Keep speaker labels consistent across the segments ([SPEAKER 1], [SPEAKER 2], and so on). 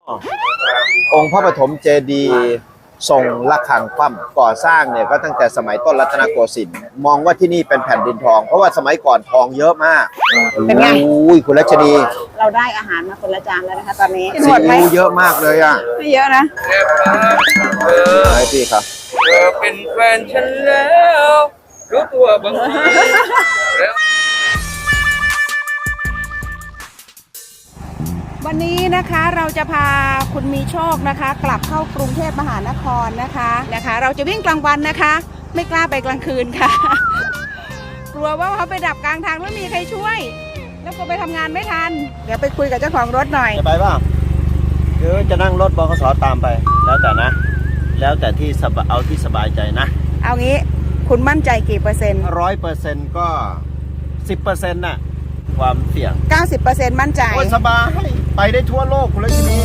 [SPEAKER 1] องค์พระปฐมเจดีย์ทรงระฆังคว่ำก่อสร้างเนี่ยก็ตั้งแต่สมัยต้นรัตนโกสินทร์มองว่าที่นี่เป็นแผ่นดินทองเพราะว่าสมัยก่อนทองเยอะมาก
[SPEAKER 2] เป็นไง
[SPEAKER 1] อุ้ยคุณรัชนี
[SPEAKER 2] เราได้อาหารมาคนละจานแล้วนะคะตอนนี้
[SPEAKER 1] ซี
[SPEAKER 2] หมดไหม
[SPEAKER 1] อิ๊วเยอะมากเลยอ่ะ
[SPEAKER 2] ไม่เยอะนะ
[SPEAKER 1] ให้พี่ครับ
[SPEAKER 3] เธอเป็นแฟนฉันแล้วรู้ตัวบ้างไหมแล้ว
[SPEAKER 2] วันนี้นะคะเราจะพาคุณมีโชคนะคะ กลับเข้ากรุงเทพมหานครนะคะเราจะวิ่งกลางวันนะคะ ไม่กล้าไปกลางคืนค่ะ กลัวว่าเขาไปดับกลางทางไม่มีใครช่วย แล้วก็ไปทำงานไม่ทัน เดี๋ยวไปคุยกับเจ้าของรถหน่อย
[SPEAKER 1] จะไปเปล่าหรือจะนั่งรถบขสตามไป แล้วแต่นะ แล้วแต่ที่เอาที่สบายใจนะ
[SPEAKER 2] เอางี้คุณมั่นใจกี่เปอร์เซ็นต์
[SPEAKER 1] 100%ก็10%น่ะความเสี่ยง
[SPEAKER 2] 90%มั่นใจ
[SPEAKER 1] โอ้ยสบายไปได้ทั่วโลกคุณรัชนี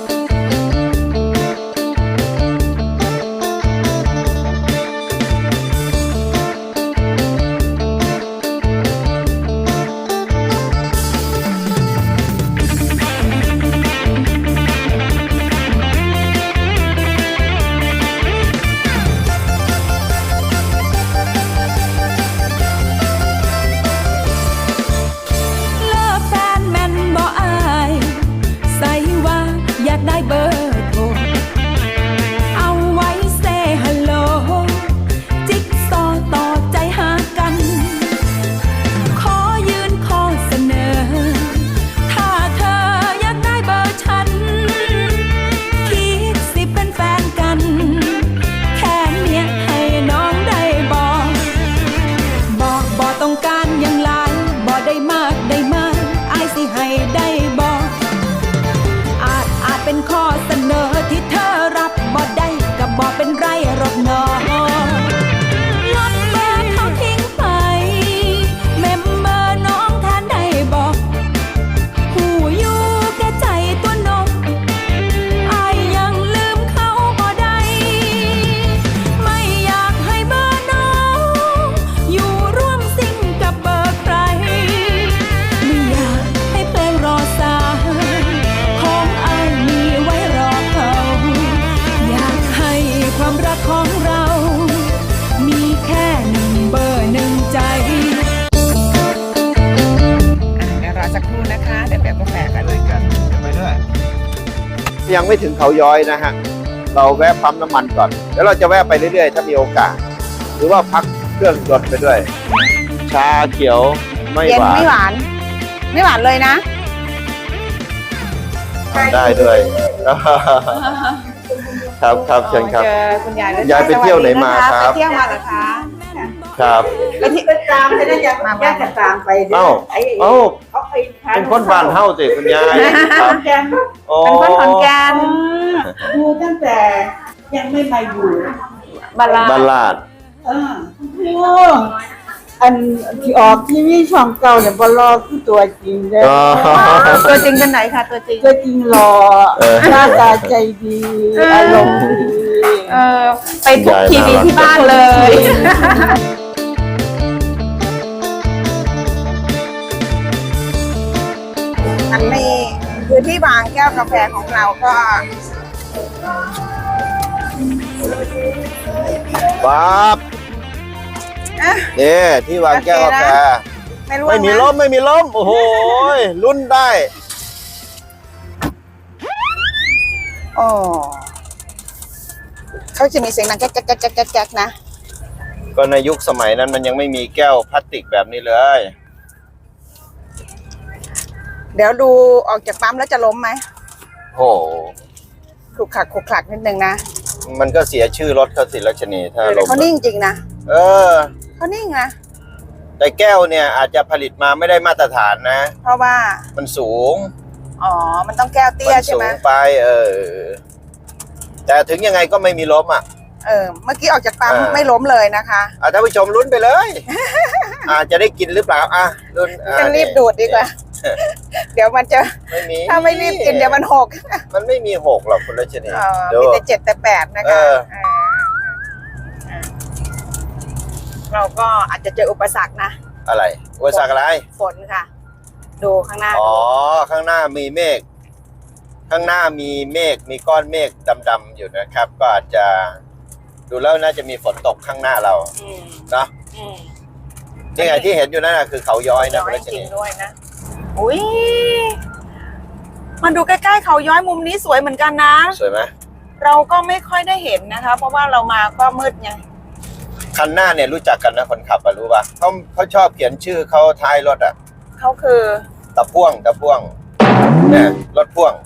[SPEAKER 4] ได้เบอร์โทรเอาไว้เซฮัลโหลจิ๊กซอต่อใจหากันขอยืนข้อเสนอถ้าเธออยากได้เบอร์ฉันคิดสิเป็นแฟนกันแค่เนี้ยให้น้องได้บอกต้องการอย่างไรบอกได้มากอายสิให้ได้บอกเป็นข้อเสนอที่เธอรับบ่ได้ก็บ่เป็นไรหรอกน้องลบเบอร์เขาทิ้งไปเมมเบอร์น้องท่านได้บอกหูอยู่แก่ใจตัวนกอายยังลืมเขาบ่ได้ไม่อยากให้เบอร์น้องอยู่ร่วมซิ่งกับเบอร์ใครไม่อยากให้เพลงรอสายของอายไว้รอเขาอยากให้ความรักของเรามีแค่หนึ่งเบอร์หนึ่งใจ
[SPEAKER 2] เดี๋ยวรอสักครู่นะคะเดี๋ยวแบบกาแฟกันเลย
[SPEAKER 1] ไปด้วยยังไม่ถึงเขาย้อยนะฮะเราแวะปั๊มน้ำมันก่อนแล้วเราจะแวะไปเรื่อยๆถ้ามีโอกาสหรือว่าพักเครื่องยนต์ไปด้วย ชาเขียวไม่
[SPEAKER 2] เย็น
[SPEAKER 1] หวาน
[SPEAKER 2] ไม่หวาน ไม่หวานเลยนะ
[SPEAKER 1] ทำได้ด้วย ครับเชิญครับ
[SPEAKER 2] เจอคุณยายด้วย
[SPEAKER 1] ยายไปเที่ยวไหนมา
[SPEAKER 2] สวัสดีนะะ
[SPEAKER 1] ครับ
[SPEAKER 2] ไปเที่ยวมาเหรอคะ
[SPEAKER 1] ครับ
[SPEAKER 2] ไปที่
[SPEAKER 5] ไปตามไปนะอยากมาจะตามไป
[SPEAKER 1] เอ้า
[SPEAKER 5] เขา
[SPEAKER 1] เเป็นคนบ้านเฮ้าสิคุณยายครับ
[SPEAKER 5] แกน
[SPEAKER 1] โอ้
[SPEAKER 2] เป็นคนขอนแก่น
[SPEAKER 5] ดูตั้งแต่ยังไม่มาอยู่
[SPEAKER 2] บาลา
[SPEAKER 1] บ้านลาด
[SPEAKER 5] โอ้อันที่ออกทีวีช่องเก่าเนี่ยบลอคือตัวจริงเลย
[SPEAKER 1] อ๋อ
[SPEAKER 2] ตัวจริงเป็นไหนคะตัวจริง
[SPEAKER 5] ตัวจริงหล่อหน้าตาใจดีอารมณ์ดี
[SPEAKER 2] ไปทุกทีวีที่บ้านเลย อันนี้คือที่วางแก้วกาแฟของเราก็
[SPEAKER 1] ปั๊บนี่ที่วางแก้วกาแฟ
[SPEAKER 2] ไม่รู้
[SPEAKER 1] ไม่มีล้มโอ้โหลุ้นได้
[SPEAKER 2] โอ้เขาจะมีเสียงดังแก๊กๆๆๆๆนะ
[SPEAKER 1] ก็ในยุคสมัยนั้นมันยังไม่มีแก้วพลาสติกแบบนี้เลย
[SPEAKER 2] เดี๋ยวดูออกจากปั๊มแล้วจะล้มไหม
[SPEAKER 1] โอ้โห
[SPEAKER 2] ขลุกขลักนิดนึงนะ
[SPEAKER 1] มันก็เสียชื่อรถเขาสิรัชนีถ้า
[SPEAKER 2] เดี๋ยว
[SPEAKER 1] ล้ม
[SPEAKER 2] เขานิ่งจริงนะ
[SPEAKER 1] เออ
[SPEAKER 2] เขานิ่งนะ
[SPEAKER 1] แต่แก้วเนี่ยอาจจะผลิตมาไม่ได้มาตรฐานนะ
[SPEAKER 2] เพราะว่า
[SPEAKER 1] มันสูง
[SPEAKER 2] อ๋อ มันต้องแก้วเตี้ยใช่
[SPEAKER 1] สู
[SPEAKER 2] ไหม
[SPEAKER 1] งไปแต่ถึงยังไงก็ไม่มีล้มอ่ะ
[SPEAKER 2] เมื่อกี้ออกจากปั๊มไม่ล้มเลยนะคะ
[SPEAKER 1] ท่านผู้ชมลุ้นไปเลย จะได้กินหรือเปล่าลุ้น
[SPEAKER 2] จะรีบดูดดีกว่า เดี๋ยวมันจะ
[SPEAKER 1] ไม่มี
[SPEAKER 2] ถ้าไม่รีบกินเดี๋ยวมันหก
[SPEAKER 1] มันไม่มีหกหรอกคุณรัชนี
[SPEAKER 2] มีแต่7แต่8นะคะเราก็อาจจะเจออุปสรรคนะ
[SPEAKER 1] อะไรอุปสรรคอะไร
[SPEAKER 2] ฝนค่ะ ดูข้างหน้า
[SPEAKER 1] อ๋อ ข้างหน้ามีเมฆข้างหน้ามีเมฆมีก้อนเมฆดำๆอยู่นะครับ ก็อาจจะดูแล้วน่าจะมีฝนตกข้างหน้าเราเนาะนี่ไงที่เห็นอยู่นั่นคือเขาย้อยนะ
[SPEAKER 2] ย้อยจริงด้วยนะอุ้ยมันดูใกล้ๆเขาย้อยมุมนี้สวยเหมือนกันนะ
[SPEAKER 1] สวยไหม
[SPEAKER 2] เราก็ไม่ค่อยได้เห็นนะคะ เพราะว่าเรามาก็มืดไง
[SPEAKER 1] คันหน้าเนี่ยรู้จักกันนะคนขับรู้ป่ะเขาชอบเขียนชื่อเขาท้ายรถอ่ะ
[SPEAKER 2] เขาคือ
[SPEAKER 1] ตะพ่วงเนี่ยรถพ่วง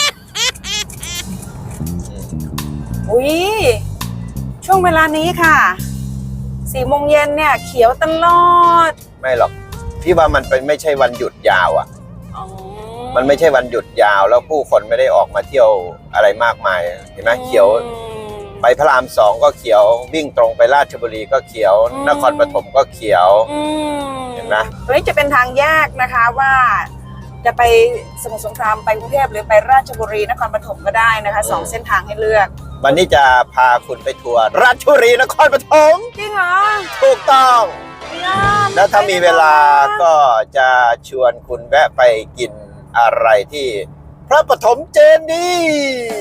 [SPEAKER 2] อุ้ยช่วงเวลานี้ค่ะ4 โมงเย็นเนี่ยเขียวตลอด
[SPEAKER 1] ไม่หรอกพี่ว่ามันเป็นไม่ใช่วันหยุดยาวอ่ะ
[SPEAKER 2] อ๋อ
[SPEAKER 1] มันไม่ใช่วันหยุดยาวแล้วผู้คนไม่ได้ออกมาเที่ยวอะไรมากมายเห็นไหมเขียวไปพระราม2ก็เขียววิ่งตรงไปราชบุรีก็เขียว นครปฐมก็เขียวเห็นไหม
[SPEAKER 2] ตรงนี้จะเป็นทางแยกนะคะว่าจะไปสมุทรสงครามไปกรุงเทพหรือไปราชบุรีนครปฐมก็ได้นะคะ2 เส้นทางให้เลือก
[SPEAKER 1] วันนี้จะพาคุณไปทัวร์ราชบุรีนครปฐม
[SPEAKER 2] จริงเหรอ
[SPEAKER 1] ถูกต้อง
[SPEAKER 2] ย่า
[SPEAKER 1] แล้วถ้ามีเวลาก็จะชวนคุณแวะไปกินอะไรที่พระปฐมเจดีย์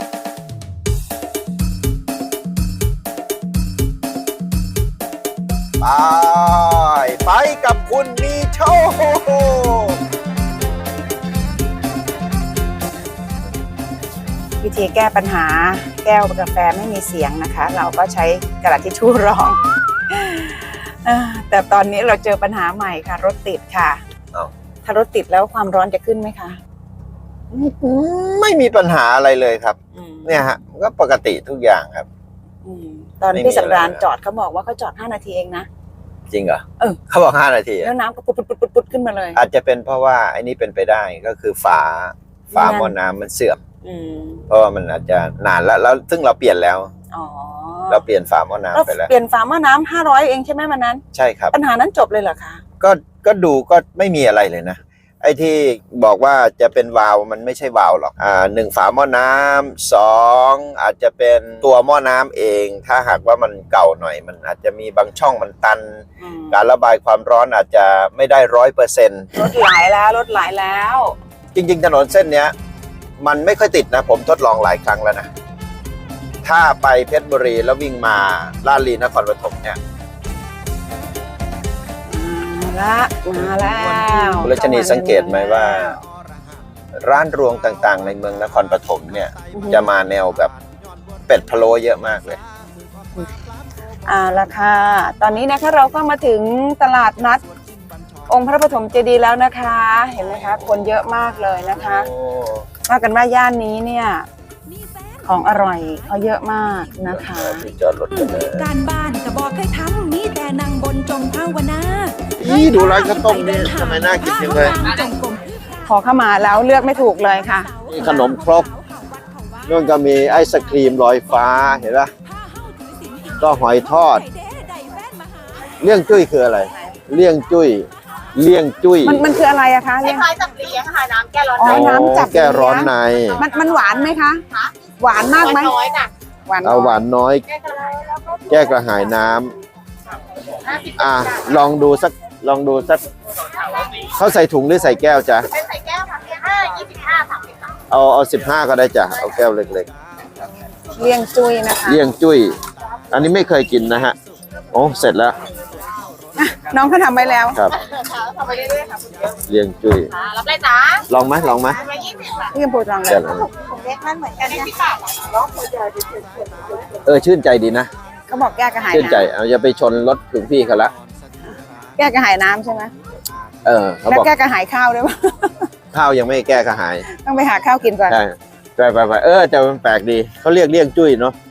[SPEAKER 1] ไปกับคุณมีโชค
[SPEAKER 2] วิธีแก้ปัญหาแก้วกาแฟไม่มีเสียงนะคะ เราก็ใช้กระดาษทิชชู่รอง แต่ตอนนี้เราเจอปัญหาใหม่ค่ะ รถติดค่ะ ถ้ารถติดแล้วความร้อนจะขึ้นไหมคะ
[SPEAKER 1] ไม่มีปัญหาอะไรเลยครับ เนี่ยฮะก็ปกติทุกอย่างครับ
[SPEAKER 2] ตอน
[SPEAKER 1] ไม่มี
[SPEAKER 2] พี่สำราญ
[SPEAKER 1] อะไรเลย
[SPEAKER 2] จอดเขาบอกว่าเขาจอด5 นาทีเองนะ
[SPEAKER 1] จริงเหรอ
[SPEAKER 2] เ
[SPEAKER 1] เขาบอก5 นาทีอะ
[SPEAKER 2] แล้วน้ำก็ปุ๊ดขึ้นมาเลย
[SPEAKER 1] อาจจะเป็นเพราะว่าไอ้นี่เป็นไปได้ก็คือฝาหม้อน้ำมันเสื่อม เพราะว่ามันอาจจะนานแล้วซึ่งเราเปลี่ยนแล้ว
[SPEAKER 2] อ๋อ
[SPEAKER 1] เราเปลี่ยนฝาหม้อน้ำไปแล้ว
[SPEAKER 2] เปลี่ยนฝาหม้อน้ำ500เองใช่ไหมวันนั้น
[SPEAKER 1] ใช่ครับ
[SPEAKER 2] ปัญหานั้นจบเลยเหรอคะ
[SPEAKER 1] ก็ดูก็ไม่มีอะไรเลยนะไอ้ที่บอกว่าจะเป็นวาล์วมันไม่ใช่วาล์วหรอก1 ฝาหม้อน้ำ2อาจจะเป็นตัวหม้อน้ำเอง ถ้าหากว่ามันเก่าหน่อยมันอาจจะมีบางช่องมันตัน การระบายความร้อนอาจจะไม่ได้100%
[SPEAKER 2] รถไหลแล้ว
[SPEAKER 1] จริงๆถนนเส้นเนี้ยมันไม่ค่อยติดนะผมทดลองหลายครั้งแล้วนะถ้าไปเพชรบุรีแล้ววิ่งมาลาดลีนครปฐมเนี่ย
[SPEAKER 2] มาแล้ว
[SPEAKER 1] คุณรัชนีสังเกตไหมว่า ร้านรวงต่างๆ ในเมืองนครปฐมเนี่ยจะมาแนวแบบเป็ดพะโล้เยอะมากเลย
[SPEAKER 2] ราคาตอนนี้นะคะเราก็มาถึงตลาดนัดองค์พระปฐมเจดีย์แล้วนะคะ เห็นไหมคะคนเยอะมากเลยนะคะว่ากันว่าย่านนี้เนี่ยของอร่อยเขาเยอะมากนะคะ
[SPEAKER 1] ที่จอดรถกันเลย
[SPEAKER 4] การบ้านก็บอกให้ทำมีแต่นั่งบนจงภาวนา
[SPEAKER 1] นี่ดูร้านข้าวต้มนี่ทำไมน่ากินจังเลย
[SPEAKER 2] พอเข้ามาแล้วเลือกไม่ถูกเลยค่ะ
[SPEAKER 1] นี่ขนมครกนู่นก็มีไอศครีมลอยฟ้าเห็นปะก็หอยทอดเลี่ยงจุ้ยคืออะไรเลี่ยงจุ้ย
[SPEAKER 2] มันคืออะไรอะคะเรียก
[SPEAKER 5] คล้ายๆจับเลี้ยงค่ะน้ำแก้ร้อน
[SPEAKER 2] อ๋อน้ำจับ
[SPEAKER 1] แก้ร้อนใน
[SPEAKER 2] มันหวานไหมคะ หวานมากไหม
[SPEAKER 5] น้อยจ้ะ
[SPEAKER 2] หวาน
[SPEAKER 1] เอาหวานน้อย แก้กระหายน้ำลองดูสักเขาใส่ถุงหรือใส่แก้วจ๊ะ
[SPEAKER 5] เป็นใส่แก้วค่ะ25 30ค่ะ
[SPEAKER 1] เอา15ก็ได้จ้ะเอาแก้วเล็ก
[SPEAKER 2] เลี่ยงจุ้ยนะคะ
[SPEAKER 1] ๆเลี่ยงจุ้ยอันนี้ไม่เคยกินนะฮะโอ้เสร็จแล้ว
[SPEAKER 2] น้องเขาทำไว้แล้ว
[SPEAKER 1] ครับ
[SPEAKER 5] ทำไปเรื่อยๆค่ะคุณเยอะ
[SPEAKER 1] เลี่ยงจุ้ย
[SPEAKER 5] รับเลยจ้า
[SPEAKER 1] ลองไหม
[SPEAKER 5] 120ค่ะ
[SPEAKER 2] พี่กำพูดลองเล
[SPEAKER 1] เสร็
[SPEAKER 2] ย
[SPEAKER 1] จแล้ว
[SPEAKER 5] ผมเล็กนั่นเหมือนกันนะ10 บาทน้องคนเดียว
[SPEAKER 1] ชื่นใจดีนะ
[SPEAKER 2] เขาบอกแก้กระหาย
[SPEAKER 1] ชื่นใจ
[SPEAKER 2] น้
[SPEAKER 1] เอาอย่าไปชนรถถึงพี่เขาละ
[SPEAKER 2] ำแก้กระหายน้ำใช่ไหม
[SPEAKER 1] เขา
[SPEAKER 2] แล้ว
[SPEAKER 1] บอก
[SPEAKER 2] แก้กระหายข้าวด้วยปะ
[SPEAKER 1] ข้าวยังไม่แก้กระหาย
[SPEAKER 2] ต้องไปหาข้าวกินก่อน
[SPEAKER 1] ใช่ไปแต่มันแปลกดีเขาเรียกเลี่ยงจุ้ยเนาะ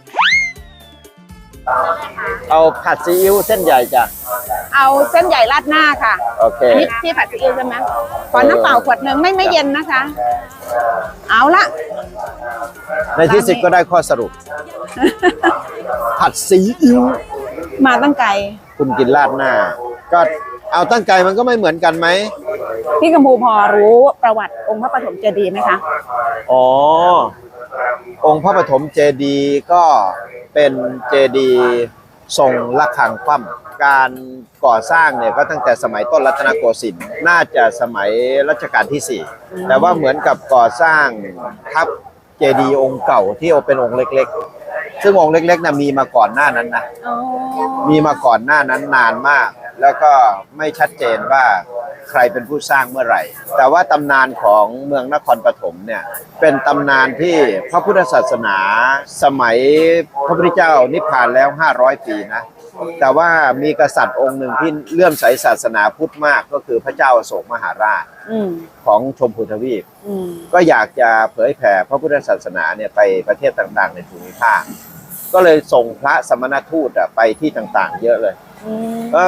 [SPEAKER 1] เอาผัดซีอิ๊วเส้นใหญ่จ้ะ
[SPEAKER 2] เอาเส้นใหญ่ราดหน้าค่ะ
[SPEAKER 1] โอเค
[SPEAKER 2] อันนี้ที่ผัดซีอิ๊วใช่ไหมขอน้ำเปล่าขวดหนึ่งไม่เย็นนะคะ เอาละ
[SPEAKER 1] ในที่สุดก็ได้ข้อสรุป ผัดซีอิ๊ว
[SPEAKER 2] มาตั้งไกล
[SPEAKER 1] คุณกินราดหน้า ก็เอาตั้งไก่มันก็ไม่เหมือนกันไหม
[SPEAKER 2] พี่กัมพูพอรู้ประวัติองค์พระปฐมเจดีย์ไหมคะ
[SPEAKER 1] อ๋อ องค์พระปฐมเจดีย์ก็เป็นเจดีย์ทรงระฆังคว่ำการก่อสร้างเนี่ยก็ตั้งแต่สมัยต้นรัตนโกสินทร์น่าจะสมัยรัชกาลที่ 4 แต่ว่าเหมือนกับก่อสร้างทับจดีย์องค์เก่าที่เป็นองค์เล็กๆซึ่งองค์เล็กๆนะมีมาก่อนหน้านั้นนะ
[SPEAKER 2] อ๋อ
[SPEAKER 1] มีมาก่อนหน้านั้นนานมาก แล้วก็ไม่ชัดเจนว่าใครเป็นผู้สร้างเมื่อไหร่ แต่ว่าตำนานของเมืองนครปฐมเนี่ยเป็นตำนานที่พระพุทธศาสนาสมัยพระพุทธเจ้านิพพานแล้ว500 ปีนะแต่ว่ามีกษัตริย์องค์หนึ่งที่เลื่อมใสศาสนาพุทธมากก็คือพระเจ้าอโศกมหาราช
[SPEAKER 2] อืม
[SPEAKER 1] ของชมพูทวีป
[SPEAKER 2] อืม
[SPEAKER 1] ก็อยากจะเผยแผ่พระพุทธศาสนาเนี่ยไปประเทศต่างๆในภูมิภาคก็เลยส่งพระสมณทูตไปที่ต่างๆ เยอะเลย
[SPEAKER 2] อืม
[SPEAKER 1] ก็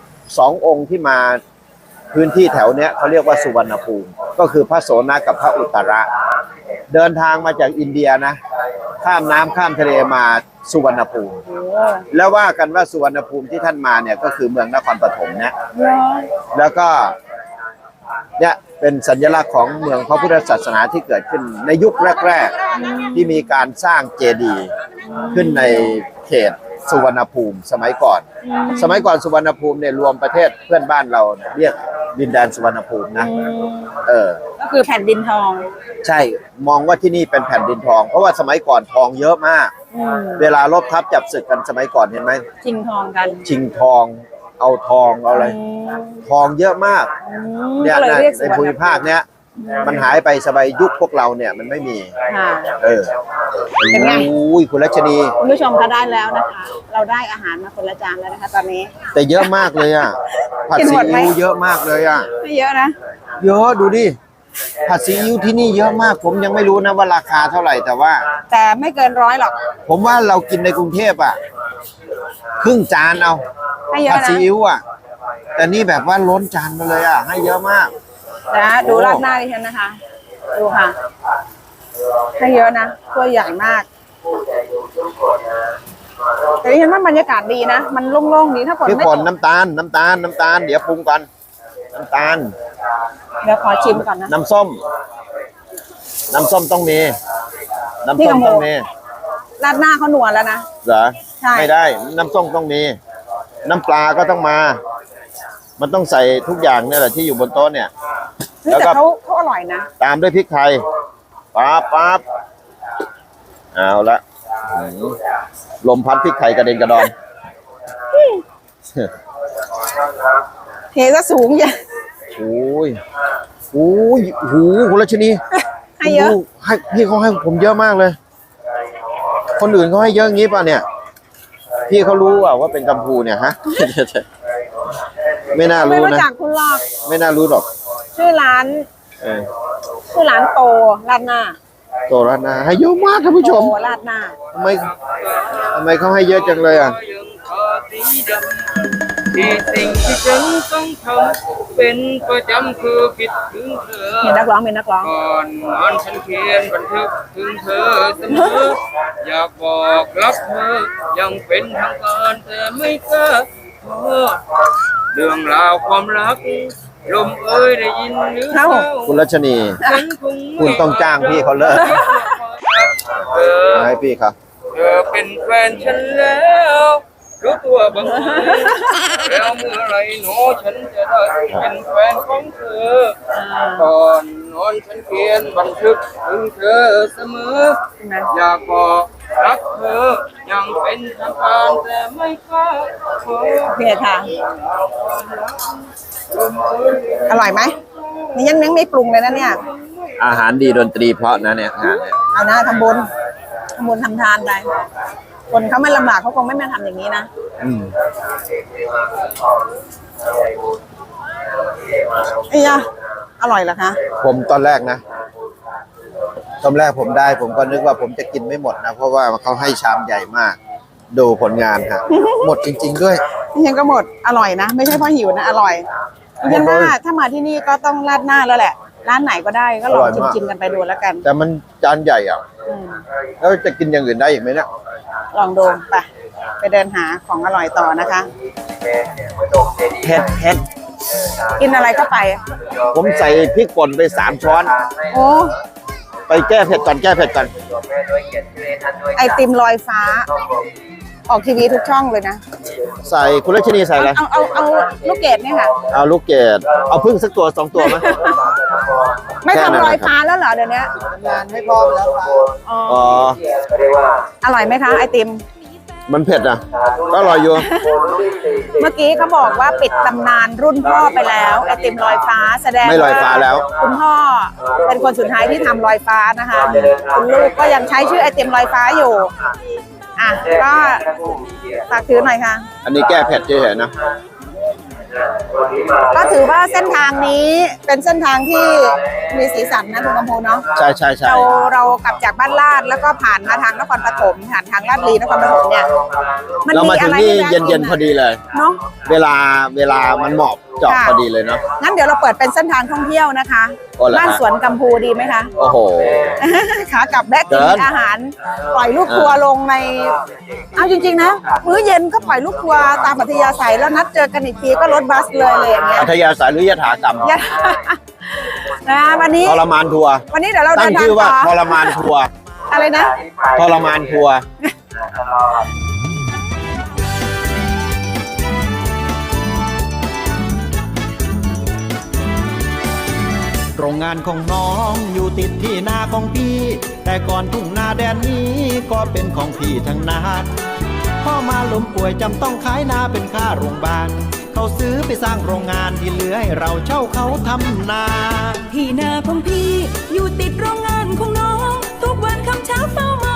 [SPEAKER 1] 2 องค์ที่มาพื้นที่แถวเนี้ยเขาเรียกว่าสุวรรณภูมิก็คือพระโสนกับพระอุตระ เดินทางมาจากอินเดียนะข้ามน้ำข้ามทะเลมาสุวรรณภูมิ
[SPEAKER 2] โอ้
[SPEAKER 1] แล้วว่ากันว่าสุวรรณภูมิที่ท่านมาเนี่ยก็คือเมืองนครปฐมเนี่ย
[SPEAKER 2] เหรอ
[SPEAKER 1] แล้วก็เนี่ยเป็นสัญลักษณ์ของเมืองพระพุทธศาสนาที่เกิดขึ้นในยุคแรกๆที่มีการสร้างเจดีย์ขึ้นในเขตสุวรรณภูมิสมัยก่อน สมัยก่อนสุวรรณภูมิเนี่ยรวมประเทศเพื่อนบ้านเราเนี่ยเรียกดินแดนสุวรรณภูมินะ
[SPEAKER 2] ก็คือแผ่นดินทอง
[SPEAKER 1] ใช่มองว่าที่นี่เป็นแผ่นดินทอง เพราะว่าสมัยก่อนทองเยอะมาก
[SPEAKER 2] อืม
[SPEAKER 1] เวลารบทัพจับศึกกันสมัยก่อนเห็นไหม
[SPEAKER 2] ชิงทองกัน
[SPEAKER 1] ชิงทองเอาทองเอาอะไร ทองเยอะมาก เนี่ย
[SPEAKER 2] ก็เลยเรียกสุ
[SPEAKER 1] ใน
[SPEAKER 2] วรรณ
[SPEAKER 1] ภูมิภาคเนี้ยมันหายไปสมัยยุคพวกเราเนี่ยมันไม่มี
[SPEAKER 2] ค่ะ
[SPEAKER 1] เป็นไงอุ้ยคุณรัชนี
[SPEAKER 2] คุณผู้ชมคะได้แล้วนะคะ เราได้อาหารมาคนละจานแล้วนะคะ ตอนนี้
[SPEAKER 1] แต่เยอะมากเลยอ่ะผัด
[SPEAKER 2] กิน
[SPEAKER 1] ซี
[SPEAKER 2] หมดไหม
[SPEAKER 1] อิ๊วเยอะมากเลยอ่ะ
[SPEAKER 2] ไม่เยอะนะ
[SPEAKER 1] เยอะดูดิผัดซีอิ๊วที่นี่เยอะมาก ผมยังไม่รู้นะว่าราคาเท่าไหร่แต่ว่า
[SPEAKER 2] แต่ไม่เกิน100หรอก
[SPEAKER 1] ผมว่าเรากินในกรุงเทพอ่ะครึ่งจานเอา
[SPEAKER 2] ให้เยอะ
[SPEAKER 1] ผัด
[SPEAKER 2] นะ
[SPEAKER 1] ซีอิ๊วอ่ะแต่นี่แบบว่าล้นจานมาเลยอ่ะให้เยอะมาก
[SPEAKER 2] นะดูราดหน้าดิฉันนะคะ ดูค่ะ ให้เยอะนะถ้วยใหญ่มาก แต่ดิฉันว่าบรรยากาศดีนะ มันโล่งๆดีถ้าฝน
[SPEAKER 1] พี่
[SPEAKER 2] ไม่
[SPEAKER 1] ฝ
[SPEAKER 2] ต
[SPEAKER 1] น
[SPEAKER 2] ก
[SPEAKER 1] น้ำตาลเดี๋ยวปรุงก่อนน้ำตาล
[SPEAKER 2] เดี๋ยวขอชิมก่อนนะ
[SPEAKER 1] น้ำส้มต้องมี น้ำ
[SPEAKER 2] พี่
[SPEAKER 1] ส้ม
[SPEAKER 2] กำโม
[SPEAKER 1] ต้องมี
[SPEAKER 2] ราดหน้าเขาหนวลแล้วนะ
[SPEAKER 1] เหรอ
[SPEAKER 2] ใช่
[SPEAKER 1] ไม่ได้ น้ำส้มต้องมี น้ำปลาก็ต้องมา มันต้องใส่ทุกอย่างเนี่ยแหละที่อยู่บนโต๊ะเนี่ย
[SPEAKER 2] เฮ้ย
[SPEAKER 1] แล้ว
[SPEAKER 2] แต่
[SPEAKER 1] ก็
[SPEAKER 2] เขาอร่อยนะ
[SPEAKER 1] ตามด้วยพริกไทยปั๊บเอาละหืมลมพัดพริกไทยกระเด็นกระดอน
[SPEAKER 2] เทซะสูงอย่า
[SPEAKER 1] โอ้ยหูคุณรัชนี
[SPEAKER 2] ให้เยอะ
[SPEAKER 1] ดูให้พี่เขาให้ผมเยอะมากเลย คนอื่นเขาให้เยอะงี้ป่ะเนี่ย พี่เขารู้ว่าเป็นกัมพูเนี่ยฮะ ไม่น่า
[SPEAKER 2] ไม่
[SPEAKER 1] รู้
[SPEAKER 2] รู้
[SPEAKER 1] นะ
[SPEAKER 2] จักคุณหรอก
[SPEAKER 1] ไม่น่ารู้หรอก
[SPEAKER 2] ชื่อร้าน
[SPEAKER 1] เออ
[SPEAKER 2] ชื่อร้านโตราดหน้า
[SPEAKER 1] โตแล้วนะให้เยอะมากท่านผู้ช
[SPEAKER 2] โต
[SPEAKER 1] ม
[SPEAKER 2] ราดหน้า
[SPEAKER 1] ทำไมเขาให้เยอะจังเลยอ่ะ
[SPEAKER 3] ยังขอสีดำที่สิ่งที่ฉันต้องทำเป็นประจำคือคิดถึงเธอ
[SPEAKER 2] เห็นนักร้องเป็นนักร้อง
[SPEAKER 3] ก่อนนอนฉันเขียนบันทึกถึงเธอเสมอ อยากบอกรักเธอยังเป็นทางการแต่ไม่กล้าโทษเรื่องราวความรักลมเอ้ยได้ยินหรือเปล่า
[SPEAKER 1] คุณรัชนี
[SPEAKER 3] ฉันคงไม่
[SPEAKER 1] คุณต้องจ้างพี่เขาเลิก
[SPEAKER 3] เธอ
[SPEAKER 1] ให้พี่ครับ
[SPEAKER 3] เธอเป็นแฟนฉันแล้วรู้ตัวบ้างไหมแล้วเมื่อไรหนูฉันจะได้เป็นแฟนของเธอก่อนนอนฉันเขียนบันทึกถึงเธอเสมอ
[SPEAKER 2] นะ
[SPEAKER 3] อยากบอกรักเธอยังเป็นทางการแต่ไม่กล้าขอ
[SPEAKER 2] โอเคค่ะ อร่อยไหมนี่ยังไม่ปรุงเลยนะเนี่ย
[SPEAKER 1] อาหารดีดนตรีเพราะนะเนี่ยอาหารเนี่ย
[SPEAKER 2] เอานะทำบุญทำทานไปคนเขาไม่ลำบากเขาคงไม่มาทำอย่างนี้นะ
[SPEAKER 1] อืม
[SPEAKER 2] ไอ้ยะอร่อยเหรอคะ
[SPEAKER 1] ผมตอนแรกผมได้ผมก็นึกว่าผมจะกินไม่หมดนะ เพราะว่าเขาให้ชามใหญ่มาก ดูผลงานฮะ หมดจริง ๆ ด้วย
[SPEAKER 2] นี่ยังก็หมดอร่อยนะ ไม่ใช่เพราะหิวนะอร่อยดิฉันว่าถ้ามาที่นี่ก็ต้องราดหน้าแล้วแหละ ร้านไหนก็ได้ก็ลอง
[SPEAKER 1] อร่อยมาก
[SPEAKER 2] ชิมๆกันไปดูแล้วกัน
[SPEAKER 1] แต่มันจานใหญ่อ่ะ
[SPEAKER 2] อืม
[SPEAKER 1] แล้วจะกินอย่างอื่นได้อีกไหมเนี่ย
[SPEAKER 2] ลองดูไปเดินหาของอร่อยต่อนะคะ
[SPEAKER 1] เผ็ด
[SPEAKER 2] กินอะไรก็ไป
[SPEAKER 1] ผมใส่พริกป่นไป3 ช้อน
[SPEAKER 2] โอ้
[SPEAKER 1] ไปแก้เผ็ดก่อน
[SPEAKER 2] ไอติมลอยฟ้า ออกทีวีทุกช่องเลยนะ
[SPEAKER 1] ใส่คุณรัชนีใส่อะไร
[SPEAKER 2] เอาลูกเกดเนี่ยค่ะ
[SPEAKER 1] เอาลูกเกดเอาพึ่งสักตัว2 ตัวไหม
[SPEAKER 2] ไม่ทำลอยฟ้าแล้วเหรอเดี๋ยวนี้
[SPEAKER 5] งานไม่พร้อมแล้วครับ
[SPEAKER 2] อ๋อ
[SPEAKER 1] อ๋อ
[SPEAKER 2] อร่อยไหมคะไอติม
[SPEAKER 1] มันเผ็ดอ่ะก็อร่อยอยู่
[SPEAKER 2] เมื่อกี้เขาบอกว่าปิดตำนานรุ่นพ่อไปแล้วไอติมลอยฟ้าแสดง
[SPEAKER 1] ไม่ลอยฟ้าแล้ว
[SPEAKER 2] คุณพ่อเป็นคนสุดท้ายที่ทำลอยฟ้านะคะคุณลูกก็ยังใช้ชื่อไอติมลอยฟ้าอยู่อ่ะก็ฝากถือหน่อยค่ะ
[SPEAKER 1] อันนี้แก้เผ็ดเฉยๆนะ
[SPEAKER 2] ก็ถือว่าเส้นทางนี้เป็นเส้นทางที่มีสีสันนะคุณกำพูเนาะ
[SPEAKER 1] ใช่ใช่ใช่
[SPEAKER 2] เรากลับจากบ้านลาดแล้วก็ผ่านมาทางนครปฐมผ่านทางลาดลีนครปฐมเนี่ย
[SPEAKER 1] เรามาถึงนี่เย็นๆพอดีเลย
[SPEAKER 2] เนาะ
[SPEAKER 1] เวลามันเหมาะเจาะ
[SPEAKER 2] ค่ะ
[SPEAKER 1] พอดีเลยเนาะ
[SPEAKER 2] งั้นเดี๋ยวเราเปิดเป็นเส้นทางท่องเที่ยวนะคะ
[SPEAKER 1] โอ้เหรอฮะ
[SPEAKER 2] บ้านสวนกัมพูดีไหมคะ
[SPEAKER 1] โอ้โห
[SPEAKER 2] ขากลับแวะกิน
[SPEAKER 1] เกิน
[SPEAKER 2] อาหาร ปล่อยลูกทัวร์ลงใน เอาจริงๆนะ มื้อเย็นก็ปล่อยลูกทัวร์ตามอัธยาศัยแล้วนัดเจอกันอีกทีก็รถบัสเลยอะไรอย่างเงี้ย
[SPEAKER 1] อัธยาศัยหรือยถากรรม
[SPEAKER 2] อย่า นะวันนี้
[SPEAKER 1] ทรมานทัวร์
[SPEAKER 2] วันนี้เดี๋ยวเรา
[SPEAKER 1] ตั้
[SPEAKER 2] เดิ
[SPEAKER 1] ง
[SPEAKER 2] นทาง
[SPEAKER 1] ชื่อว่า
[SPEAKER 2] ต่
[SPEAKER 1] ท
[SPEAKER 2] อ
[SPEAKER 1] รมานทัวร์
[SPEAKER 2] อะไรนะ
[SPEAKER 1] ทรมานทัวร์
[SPEAKER 6] โรงงานของน้องอยู่ติดที่นาของพี่ แต่ก่อนทุ่งนาแดนนี้ก็เป็นของพี่ทั้งนั้นพ่อมาล้มป่วยจำต้องขายนาเป็นค่าโรงพยาบาลเขาซื้อไปสร้างโรงงานที่เหลือให้เราเช่าเขาทำนา
[SPEAKER 4] ที่นาของพี่อยู่ติดโรงงานของน้อง ทุกวันคำเช้าเฝ้ามา